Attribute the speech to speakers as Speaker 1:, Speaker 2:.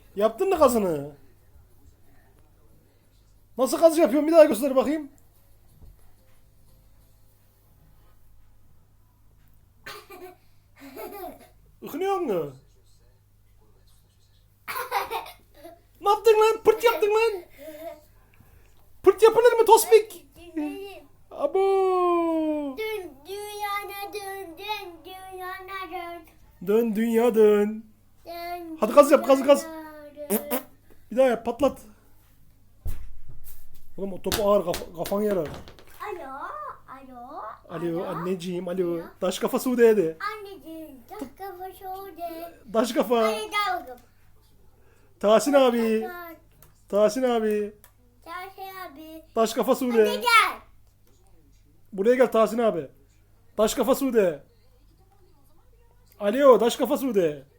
Speaker 1: Yaptın mı kazını? Nasıl kaz yapıyorsun? Bir daha göster bakayım. Ikınıyor mu? Ne yaptın lan? Pırt yaptın lan. Pırt yapılır mı Tospik? Abo.
Speaker 2: Dün dünyana dön, dön dünyana dön.
Speaker 1: Dön dünya dön.
Speaker 2: Dön
Speaker 1: Hadi gaz yap, gaz, gaz.
Speaker 2: dünyana dön.
Speaker 1: Bir daha yap, patlat. Oğlum o topu ağır, kafan yarar.
Speaker 2: Alo, alo.
Speaker 1: Alo anneciğim, alo. Taş kafa Sude de.
Speaker 2: Anneciğim, tak kafa şöyle.
Speaker 1: Taş kafa.
Speaker 2: Hadi gel bakalım.
Speaker 1: Tahsin abi. Tahsin abi.
Speaker 2: Çarşı abi.
Speaker 1: Taş kafa
Speaker 2: Hadi
Speaker 1: Sude.
Speaker 2: gel.
Speaker 1: Buraya gel Tahsin abi. Taş kafa Sude. Alo, taş kafa Sude.